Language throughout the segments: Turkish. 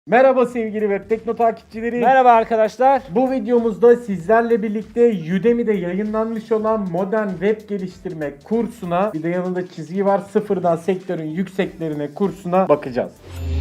Merhaba sevgili Web Tekno takipçileri. Merhaba arkadaşlar. Bu videomuzda sizlerle birlikte Udemy'de yayınlanmış olan modern web geliştirme kursuna, bir de yanında çizgi var, sıfırdan sektörün yükseklerine kursuna bakacağız.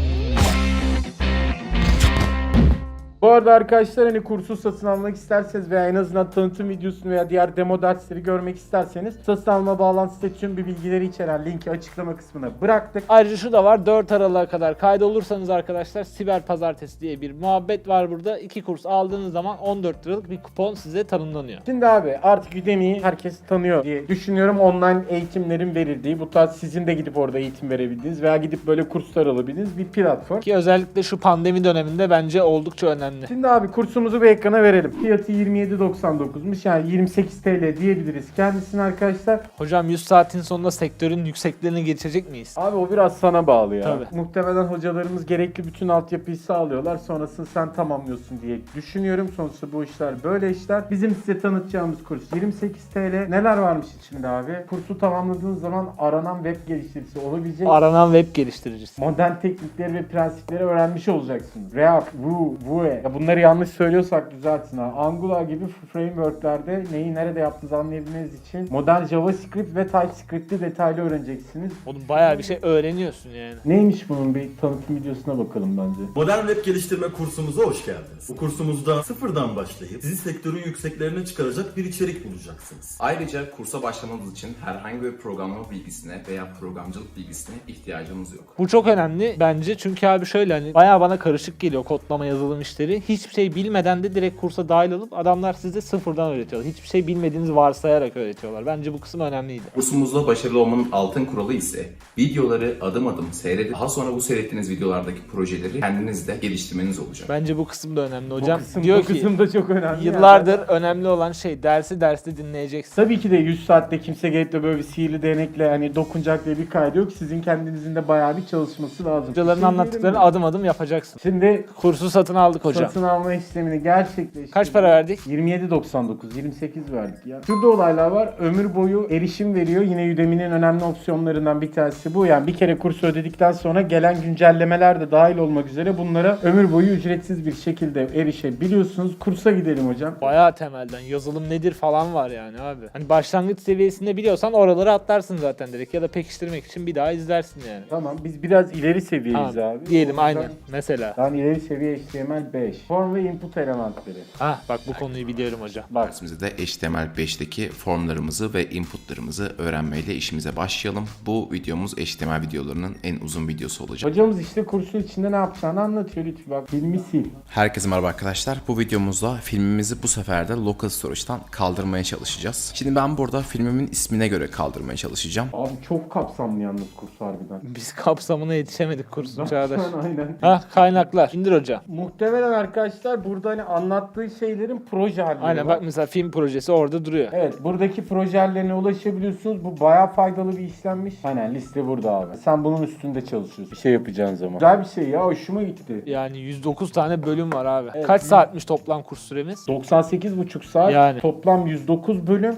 Bu arada arkadaşlar hani kursu satın almak isterseniz veya en azından tanıtım videosunu veya diğer demo dersleri görmek isterseniz satın alma bağlantısında tüm bir bilgileri içeren linki açıklama kısmına bıraktık. Ayrıca şu da var, 4 Aralık'a kadar kaydolursanız arkadaşlar Siber Pazartesi diye bir muhabbet var burada. 2 kurs aldığınız zaman 14 liralık bir kupon size tanımlanıyor. Şimdi abi artık Udemy'yi herkes tanıyor diye düşünüyorum. Online eğitimlerin verildiği, bu tarz sizin de gidip orada eğitim verebildiğiniz veya gidip böyle kurslar alabildiğiniz bir platform. Ki özellikle şu pandemi döneminde bence oldukça önemli. Şimdi abi kursumuzu bir ekrana verelim. Fiyatı 27.99'muş, yani 28 TL diyebiliriz kendisine arkadaşlar. Hocam 100 saatin sonunda sektörün yükseklerine geçecek miyiz? Abi o biraz sana bağlı ya. Tabii. Muhtemelen hocalarımız gerekli bütün altyapıyı sağlıyorlar. Sonrasını sen tamamlıyorsun diye düşünüyorum. Sonuçta bu işler böyle işler. Bizim size tanıtacağımız kurs 28 TL. Neler varmış içinde abi? Kursu tamamladığınız zaman aranan web geliştiricisi olabilecek. Aranan web geliştiricisi. Modern teknikleri ve prensipleri öğrenmiş olacaksınız. React, Vue, Vue. Ya bunları yanlış söylüyorsak düzeltin ha. Angular gibi frameworklerde neyi nerede yaptığınızı anlayabilmeniz için modern JavaScript ve TypeScript'i detaylı öğreneceksiniz. Oğlum bayağı bir şey öğreniyorsun yani. Neymiş bunun, bir tanıtım videosuna bakalım bence. Modern web geliştirme kursumuza hoş geldiniz. Bu kursumuzda sıfırdan başlayıp sizi sektörün yükseklerine çıkaracak bir içerik bulacaksınız. Ayrıca kursa başlamanız için herhangi bir programlama bilgisine veya programcılık bilgisine ihtiyacınız yok. Bu çok önemli bence çünkü abi şöyle hani bayağı bana karışık geliyor kodlama yazılım işleri. Hiçbir şey bilmeden de direkt kursa dahil olup adamlar size sıfırdan öğretiyorlar. Hiçbir şey bilmediğinizi varsayarak öğretiyorlar. Bence bu kısım önemliydi. Kursumuzda başarılı olmanın altın kuralı ise videoları adım adım seyredip daha sonra bu seyrettiğiniz videolardaki projeleri kendiniz de geliştirmeniz olacak. Bence bu kısım da önemli hocam. Bu Diyor kısım ki da çok önemli. yıllardır Yani. önemli olan şey derste dinleyeceksin. Tabii ki de 100 saatte kimse gelip de böyle bir sihirli değnekle hani dokunacak diye bir kaydı yok. Sizin kendinizin de bayağı bir çalışması lazım. Hocaların anlattıklarını adım adım yapacaksın. Şimdi Kursu satın aldık hocam. satın alma işlemini gerçekleştirdik. Kaç para verdik? 27.99, 28 verdik ya. Şurada olaylar var. Ömür boyu erişim veriyor. Yine Udemy'nin önemli opsiyonlarından bir tanesi bu. Yani bir kere kursu ödedikten sonra gelen güncellemeler de dahil olmak üzere bunlara ömür boyu ücretsiz bir şekilde erişebiliyorsunuz. Kursa gidelim hocam. Bayağı temelden yazılım nedir falan var yani abi. Hani başlangıç seviyesinde biliyorsan oraları atlarsın zaten direkt ya da pekiştirmek için bir daha izlersin yani. Tamam, biz biraz ileri seviyeyiz Tamam, abi. diyelim O yüzden aynen. Mesela. ben ileri seviye HTML5. Form ve input elementleri. Bak bu konuyu biliyorum hocam. Bak. Dersimizde de HTML5'teki formlarımızı ve inputlarımızı öğrenmeyle işimize başlayalım. Bu videomuz HTML videolarının en uzun videosu olacak. Hocamız işte kursun içinde ne yapacağını anlatıyor lütfen. Bak, filmi sil. Herkese merhaba arkadaşlar. Bu videomuzda filmimizi bu sefer de Local Storage'dan kaldırmaya çalışacağız. Şimdi ben burada filmimin ismine göre kaldırmaya çalışacağım. Abi çok kapsamlı yalnız kurs harbiden. Biz kapsamına yetişemedik kursun Çağdaş. Aynen. Kaynaklar. İndir hocam. Muhtemelen arkadaşlar burada hani anlattığı şeylerin proje halleri Aynen var. bak mesela film projesi orada duruyor. Evet, buradaki projelerine ulaşabiliyorsunuz. Bu bayağı faydalı bir işlenmiş. Aynen, liste burada abi. Sen bunun üstünde çalışıyorsun. Bir şey yapacağın zaman. Güzel bir şey ya, hoşuma gitti. Yani 109 tane bölüm var abi. Evet. Kaç saatmiş toplam kurs süremiz? 98,5 saat. Yani. Toplam 109 bölüm.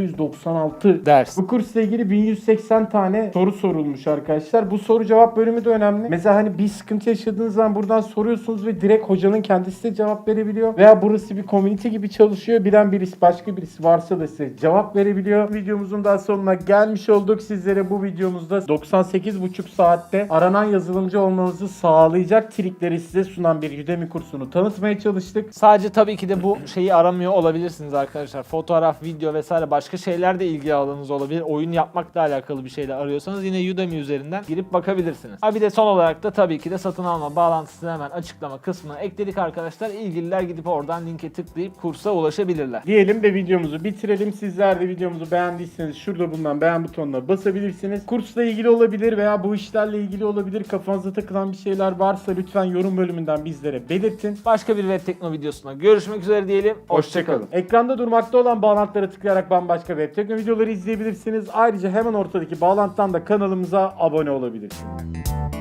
696 Ders. Bu kursla ilgili 1180 tane soru sorulmuş arkadaşlar. Bu soru cevap bölümü de önemli. Mesela hani bir sıkıntı yaşadığınız zaman buradan soruyorsunuz ve direkt hocanın kendisi de cevap verebiliyor. Veya burası bir community gibi çalışıyor. Bilen birisi, başka birisi varsa da size cevap verebiliyor. Videomuzun daha sonuna gelmiş olduk. Sizlere bu videomuzda 98,5 saatte aranan yazılımcı olmanızı sağlayacak trikleri size sunan bir Udemy kursunu tanıtmaya çalıştık. Sadece tabii ki de bu şeyi aramıyor olabilirsiniz arkadaşlar. Fotoğraf, video vesaire başka şeyler de ilgi alanınız olabilir. Oyun yapmakla alakalı bir şeyler arıyorsanız yine Udemy üzerinden girip bakabilirsiniz. Bir de son olarak da tabii ki de satın alma bağlantısını hemen açıklama kısmına ekledik arkadaşlar. İlgililer gidip oradan linke tıklayıp kursa ulaşabilirler. Diyelim ve videomuzu bitirelim. Sizler de videomuzu beğendiyseniz şurada bulunan beğen butonuna basabilirsiniz. Kursla ilgili olabilir veya bu işlerle ilgili olabilir. Kafanıza takılan bir şeyler varsa lütfen yorum bölümünden bizlere belirtin. Başka bir Web Tekno videosuna görüşmek üzere diyelim. Hoşçakalın. Ekranda durmakta olan bağlantılara tıklayarak bambaşka Web Tekno videoları izleyebilirsiniz. Ayrıca hemen ortadaki bağlantıdan da kanalımıza abone olabilirsiniz.